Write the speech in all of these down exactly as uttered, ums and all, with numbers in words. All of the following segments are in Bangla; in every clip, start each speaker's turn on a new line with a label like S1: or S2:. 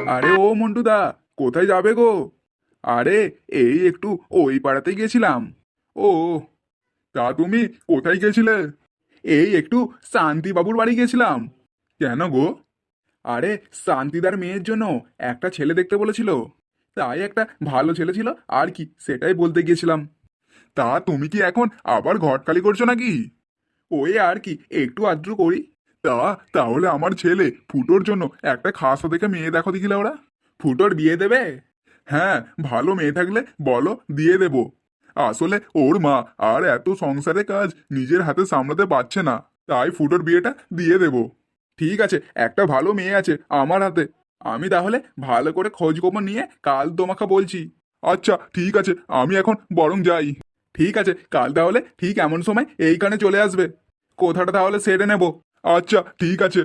S1: আরে ও মন্টুদা, কোথায় যাবে গো? আরে এই একটু ওই পাড়াতে গেছিলাম। ও, তা তুমি কোথায় গেছিলে? এই একটু শান্তিবাবুর বাড়ি গেছিলাম। কেন গো? আরে শান্তিদার মেয়ের জন্য একটা ছেলে দেখতে বলেছিল, তাই একটা ভালো ছেলে ছিল আর কি, সেটাই বলতে গিয়েছিলাম। তা তুমি কি এখন আবার ঘট খালি করছো নাকি? ওই আর কি, একটু আদ্র করি। তা তাহলে আমার ছেলে ফুটোর জন্য একটা খাসা দেখে মেয়ে দেখো দেখিলে ওরা। ফুটোর বিয়ে দেবে? হ্যাঁ, ভালো মেয়ে থাকলে বলো, দিয়ে দেব। আসলে ওর মা আর এত সংসারে কাজ নিজের হাতে সামলাতে পারছে না, তাই ফুটোর বিয়েটা দিয়ে দেব। ঠিক আছে, একটা ভালো মেয়ে আছে আমার হাতে। আমি তাহলে ভালো করে খোঁজ খবর নিয়ে কাল তোমাকে বলছি। আচ্ছা ঠিক আছে, আমি এখন বরং যাই। ঠিক আছে, কাল তাহলে ঠিক এমন সময় এইখানে চলে আসবে। কোথাটা তাহলে সেরে নেব। আচ্ছা ঠিক আছে।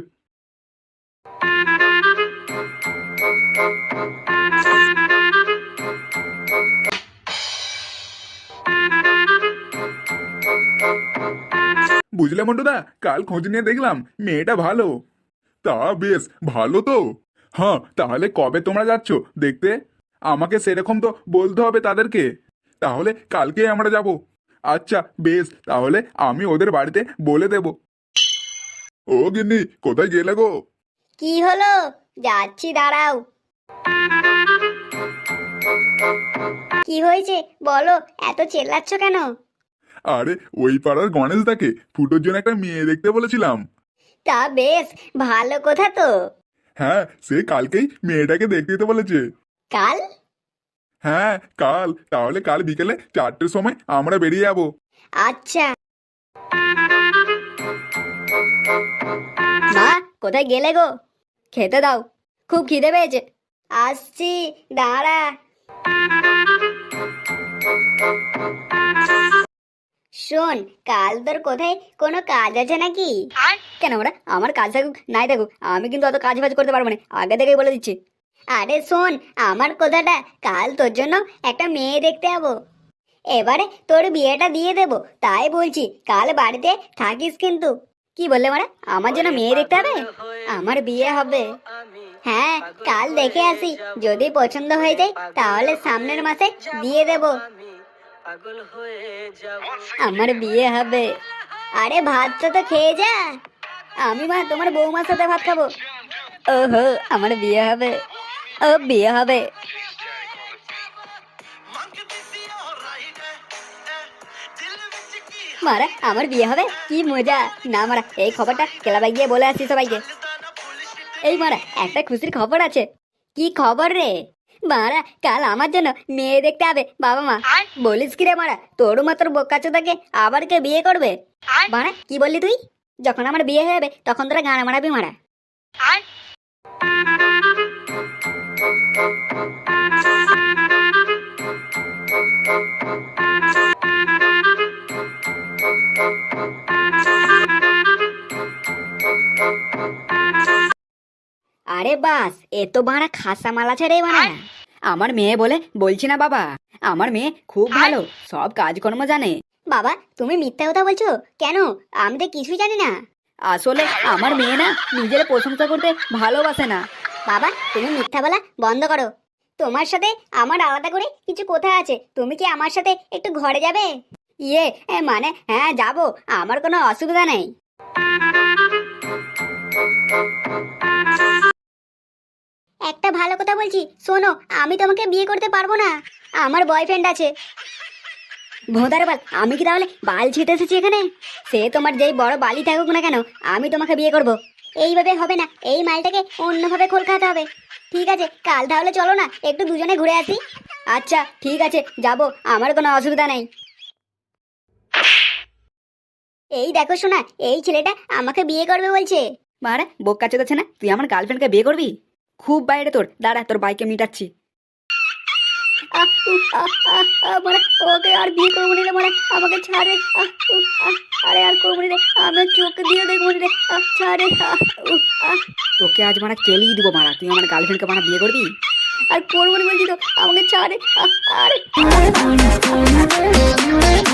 S1: বুঝলে মন্টুদা, কাল খোঁজ নিয়ে দেখলাম মেয়েটা ভালো। তা বেশ ভালো তো। হ্যাঁ, তাহলে কবে তোমরা যাচ্ছ দেখতে? আমাকে সেরকম তো বলতে হবে তাদেরকে। তাহলে কালকে আমরা যাব। আচ্ছা বেশ, তাহলে আমি ওদের বাড়িতে বলে দেব। ও গিন্নি, কোথায় গেলে গো?
S2: কি হলো? যাচ্ছি, দাঁড়াও। কি হয়েছে বলো, এত চেল্লাচ্ছ কেন?
S1: আরে ওই পাড়ার গণেশদাকে ফুটোর জন্য একটা মেয়ে দেখতে বলেছিলাম।
S2: তা বেশ ভালো কথা তো।
S1: হ্যাঁ, সে কালকেই মেয়েটাকে দেখতে যেতে বলেছে।
S2: কাল?
S1: হ্যাঁ কাল, তাহলে কাল বিকেলে চারটের সময় আমরা বেরিয়ে যাব।
S2: আচ্ছা। মা, কোথায় গেলে গো? খেতে দাও, খুব খিদে পেয়েছে। আসছি, দাঁড়া। শোন, কাল তোর কোথায় কোনো কাজ আছে নাকি? কেন ওরা আমার কাজ থাকুক নাই থাকুক, আমি কিন্তু অত কাজ বাজ করতে পারবো না, আগে থেকেই বলে দিচ্ছি। আরে শোন আমার কথাটা, কাল তোর জন্য একটা মেয়ে দেখতে যাবো। এবারে তোর বিয়েটা দিয়ে দেবো, তাই বলছি কাল বাড়িতে থাকিস কিন্তু। কি বললে মারা, আমার জন্য মেয়ে দেখতে হবে? আমার বিয়ে হবে। হ্যাঁ, কাল দেখে আসি, যদি পছন্দ হয়ে যায় তাহলে সামনের মাসে দিয়ে দেব। আমার বিয়ে হবে। আরে ভাতটা তো খেয়ে যা। আমি মা তোমার বৌমার সাথে ভাত খাবো। ওহো, আমার বিয়ে হবে। ও বিয়ে হবে। মারা আমার বিয়ে হবে, কি মজা। না মারা, এই খবরটা ক্লাবে গিয়ে বলে আসছি সবাইকে। এই মারা, একটা খুশির খবর আছে। কি খবর রে? মারা, কাল আমার জন্য মেয়ে দেখতে হবে বাবা মা। বলিস কি রে মারা, তোর মাত্র বোকাচোদাকে আবার কে বিয়ে করবে? মারা কি বললি তুই? যখন আমার বিয়ে হয়ে যাবে তখন তোরা গান মারাবি মারা। আরে বাস, এ তো বাড়া খাসা মাল আছে রে বাড়া। আমার মেয়ে বলে বলছি না বাবা, আমার মেয়ে খুব ভালো, সব কাজকর্ম জানে। বাবা তুমি মিথ্যা কথা বলছো কেন? আমি তো কিছুই জানি না। আসলে আমার মেয়ে না নিজের প্রশংসা করতে ভালোবাসে না। বাবা তুমি মিথ্যা বলা বন্ধ করো। তোমার সাথে আমার আলাদা করে কিছু কথা আছে, তুমি কি আমার সাথে একটু ঘরে যাবে? ইয়ে এ, মানে হ্যাঁ যাবো, আমার কোনো অসুবিধা নেই। একটা ভালো কথা বলছি শোনো, আমি তোমাকে বিয়ে করতে পারবো না, আমার বয়ফ্রেন্ড আছে। ভোদার বাল, আমি কি তাহলে বাল ছিটে এসেছি এখানে? সে তোমার যেই বড় বালি থাকুক না কেন, আমি তোমাকে বিয়ে করব। এইভাবে হবে না, এই মালটাকে অন্যভাবে খোল খাওয়াতে হবে। ঠিক আছে, কাল তাহলে চলো না একটু দুজনে ঘুরে আসি। আচ্ছা ঠিক আছে, যাবো, আমার কোনো অসুবিধা নেই। এই দেখো শোনা, এই ছেলেটা আমাকে বিয়ে করবে বলছে। মারা বোকা চোদাচ্ছে না, তুই আমার গার্লফ্রেন্ডকে বিয়ে করবি? খুব বাইরে তোর, দাঁড়া তোর বাইকে মিটাচ্ছি। ওকে আর বিয়ে করবো নিলে মানে আমাকে ছাড়ে। আরে আর করবো রে, আমি চোখ দিয়ে দেখবো রে, ছাড়ে। তোকে আজ মারা কেলিয়ে দিব মারা, তুই আমার গার্লফ্রেন্ডকে মারা বিয়ে করবি? আর করবো না বলছি তো, আমাকে ছাড়ে। আরে